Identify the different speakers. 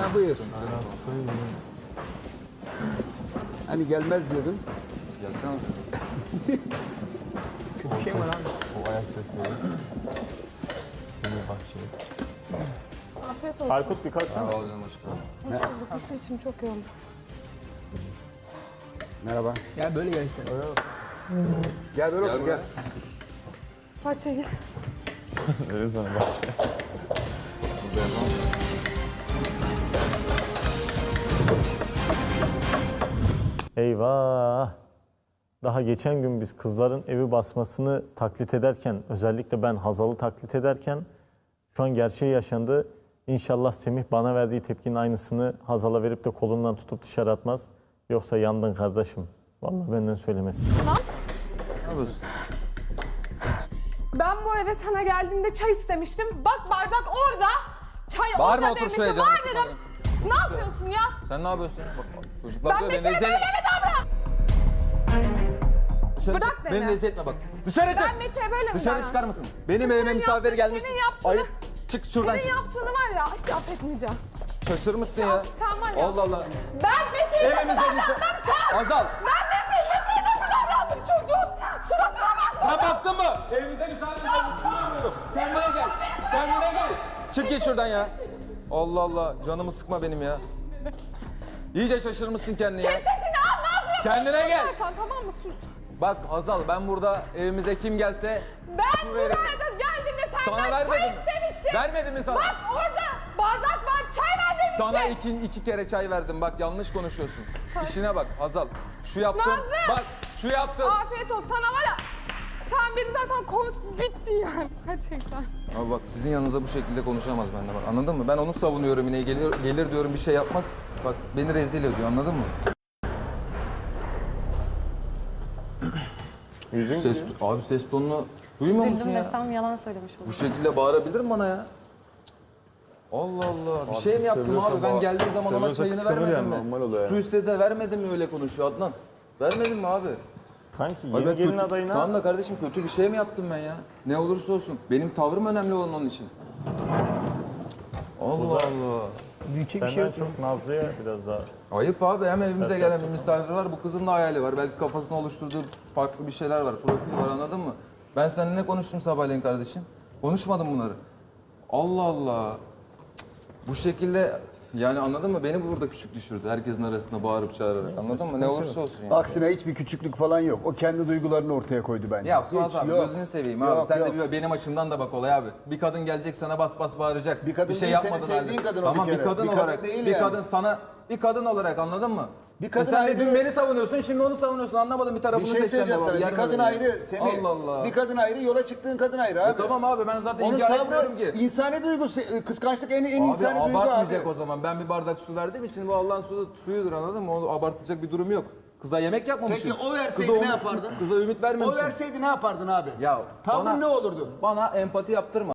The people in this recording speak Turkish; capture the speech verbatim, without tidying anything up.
Speaker 1: Ha buyur. Hani gelmez diyordun.
Speaker 2: Gelsene.
Speaker 3: Kötü bir şey mi var abi?
Speaker 4: O ayak sesleri. Şimdi bahçeye.
Speaker 5: Afiyet olsun.
Speaker 4: Aykut bir kalksana.
Speaker 2: Sağ ol canım aşkım.
Speaker 5: Hoş bulduk. Bu su içim çok yoğun.
Speaker 1: Merhaba.
Speaker 3: Gel böyle gel istersen.
Speaker 1: Gel böyle
Speaker 2: Gel
Speaker 1: otur
Speaker 2: buraya.
Speaker 1: gel.
Speaker 5: Bahçeye gir.
Speaker 4: Öyle sana bahçeye.
Speaker 2: Burada yapalım.
Speaker 4: Eyvah! Daha geçen gün biz kızların evi basmasını taklit ederken, özellikle ben Hazal'ı taklit ederken şu an gerçeği yaşandı. İnşallah Semih bana verdiği tepkinin aynısını Hazal'a verip de kolundan tutup dışarı atmaz. Yoksa yandın kardeşim. Vallahi benden söylemesi.
Speaker 2: Ne yapıyorsun?
Speaker 5: Ben bu eve sana geldiğimde çay istemiştim. Bak bardak orada. Çay
Speaker 2: Bağırma,
Speaker 5: orada
Speaker 2: otur
Speaker 5: demesi
Speaker 2: şuraya, canım
Speaker 5: var
Speaker 2: sıkma
Speaker 5: dedim. Ne yapıyorsun ya?
Speaker 2: Sen ne yapıyorsun? Bak, bak, çocuklar
Speaker 5: Ben
Speaker 2: diyor, beni
Speaker 5: Mete'ye
Speaker 2: rezil
Speaker 5: böyle
Speaker 2: etme.
Speaker 5: mi davran?
Speaker 2: Dışarı
Speaker 5: Bırak
Speaker 2: çık,
Speaker 5: beni.
Speaker 2: Beni rezil etme bak. Dışarı çık.
Speaker 5: Ben Mete'ye böyle mi
Speaker 2: Dışarı
Speaker 5: davran?
Speaker 2: çıkar mısın? Benim evime
Speaker 5: Senin
Speaker 2: misafir
Speaker 5: yaptığın-
Speaker 2: gelmiş.
Speaker 5: senin yaptığını-
Speaker 2: Hayır. Çık şuradan
Speaker 5: Senin
Speaker 2: çık.
Speaker 5: yaptığını var ya hiç affetmeyeceğim.
Speaker 2: Şaşırmışsın ya.
Speaker 5: Sen var ya.
Speaker 2: Allah Allah.
Speaker 5: Ben Mete'ye nasıl
Speaker 2: Evimize misafir.
Speaker 5: davrandım sen?
Speaker 2: Azal.
Speaker 5: Ben Mete'ye Mete'ye nasıl davrandım çocuğun? Suratına bak.
Speaker 2: Ya baktın mı? Evimize misafir gelmiş. Kendine gel. Kendine gel. Çık git şuradan ya. Allah Allah. Canımı sıkma benim ya. İyice şaşırmışsın kendini ya.
Speaker 5: Sesini al ne yapıyorsun?
Speaker 2: Kendine gel.
Speaker 5: Sen tamam mı sus?
Speaker 2: Bak Hazal, ben burada evimize kim gelse
Speaker 5: Ben
Speaker 2: su
Speaker 5: buraya
Speaker 2: veririm.
Speaker 5: da geldiğimde
Speaker 2: Sana
Speaker 5: senden çay
Speaker 2: vermedim.
Speaker 5: istemiştim.
Speaker 2: Vermedim mi sana?
Speaker 5: Bak orada bardak var çay ver demiştim.
Speaker 2: Sana iki, iki kere çay verdim. Bak yanlış konuşuyorsun. İşine bak Hazal. Şu yaptın.
Speaker 5: Nazlı!
Speaker 2: Bak şu yaptın.
Speaker 5: Afiyet olsun sana var ya. Sen beni zaten kons bitti yani gerçekten.
Speaker 2: Ama bak sizin yanınıza bu şekilde konuşamaz benimle bak, anladın mı? Ben onu savunuyorum yine, gelir, gelir diyorum bir şey yapmaz. Bak beni rezil ediyor, anladın mı?
Speaker 4: Yüzün
Speaker 2: Ses, abi ses tonunu duymuyor musun
Speaker 6: Üzüldüm
Speaker 2: ya?
Speaker 6: desem yalan söylemiş
Speaker 2: Bu
Speaker 6: olurum.
Speaker 2: şekilde bağırabilir mi bana ya? Allah Allah. Bir şey mi yaptım abi? Ben geldiği zaman ona çayını vermedim mi? Su istedi de vermedim mi, öyle konuşuyor Adnan? Vermedim mi abi?
Speaker 4: Kanki
Speaker 2: Ay
Speaker 4: yeni
Speaker 2: ben
Speaker 4: gelin
Speaker 2: kötü-
Speaker 4: adayına
Speaker 2: Tamam da kardeşim kötü bir şey mi yaptım ben ya? Ne olursa olsun. Benim tavrım önemli olan onun için. Allah Allah.
Speaker 3: Büyütecek bir şey
Speaker 4: senden
Speaker 3: yok. ya.
Speaker 4: çok Nazlı'ya biraz daha.
Speaker 2: Ayıp abi, hem evimize gelen bir misafir var, bu kızın da hayali var. Belki kafasında oluşturduğu farklı bir şeyler var, profil var, anladın mı? Ben seninle ne konuştum sabahleyin kardeşim? Konuşmadım bunları. Allah Allah. Cık, bu şekilde yani anladın mı? Beni burada küçük düşürdü herkesin arasında bağırıp çağırarak, anladın mı? Ne olursa olsun yani.
Speaker 1: Aksine hiçbir küçüklük falan yok. O kendi duygularını ortaya koydu bence.
Speaker 2: Ya Fuat
Speaker 1: Hiç,
Speaker 2: abi
Speaker 1: yok.
Speaker 2: gözünü seveyim abi.
Speaker 1: Yok,
Speaker 2: Sen
Speaker 1: yok.
Speaker 2: de bir, benim açımdan da bak olay abi. Bir kadın gelecek sana bas bas bağıracak.
Speaker 1: Bir kadın
Speaker 2: şey
Speaker 1: değil, senin
Speaker 2: yapmadın
Speaker 1: sevdiğin
Speaker 2: halde.
Speaker 1: kadın o bir
Speaker 2: Tamam bir
Speaker 1: kere.
Speaker 2: kadın
Speaker 1: Bir kadın
Speaker 2: olarak.
Speaker 1: değil
Speaker 2: bir
Speaker 1: yani.
Speaker 2: kadın sana bir kadın olarak, anladın mı?
Speaker 1: Bir kadın
Speaker 2: E sen de
Speaker 1: ayrı-
Speaker 2: dün beni savunuyorsun, şimdi onu savunuyorsun. Anlamadım, bir
Speaker 1: Bir
Speaker 2: tarafını
Speaker 1: şey
Speaker 2: seç sen de
Speaker 1: söyleyeceğim sana.
Speaker 2: baba.
Speaker 1: Bir
Speaker 2: Yer
Speaker 1: kadın
Speaker 2: mi
Speaker 1: ayrı
Speaker 2: beni?
Speaker 1: Semih.
Speaker 2: Allah Allah.
Speaker 1: Bir kadın ayrı, yola çıktığın kadın ayrı abi.
Speaker 2: E tamam abi, ben zaten
Speaker 1: Onun
Speaker 2: inkar etmiyorum
Speaker 1: tavrı
Speaker 2: ki.
Speaker 1: insani duygu, kıskançlık en, en
Speaker 2: Abi
Speaker 1: insani duygu abi.
Speaker 2: abartmayacak o zaman. Ben bir bardak su verdiğim için bu Allah'ın suyu, suyudur, anladın mı? Onu abartacak bir durum yok. Kıza yemek yapmamışım.
Speaker 1: Peki o verseydi
Speaker 2: Kıza
Speaker 1: ne
Speaker 2: ümit-
Speaker 1: yapardın?
Speaker 2: Kıza ümit
Speaker 1: O
Speaker 2: vermemişim.
Speaker 1: verseydi ne yapardın abi?
Speaker 2: Ya
Speaker 1: Tavrın
Speaker 2: bana-
Speaker 1: ne olurdu?
Speaker 2: Bana empati yaptırma.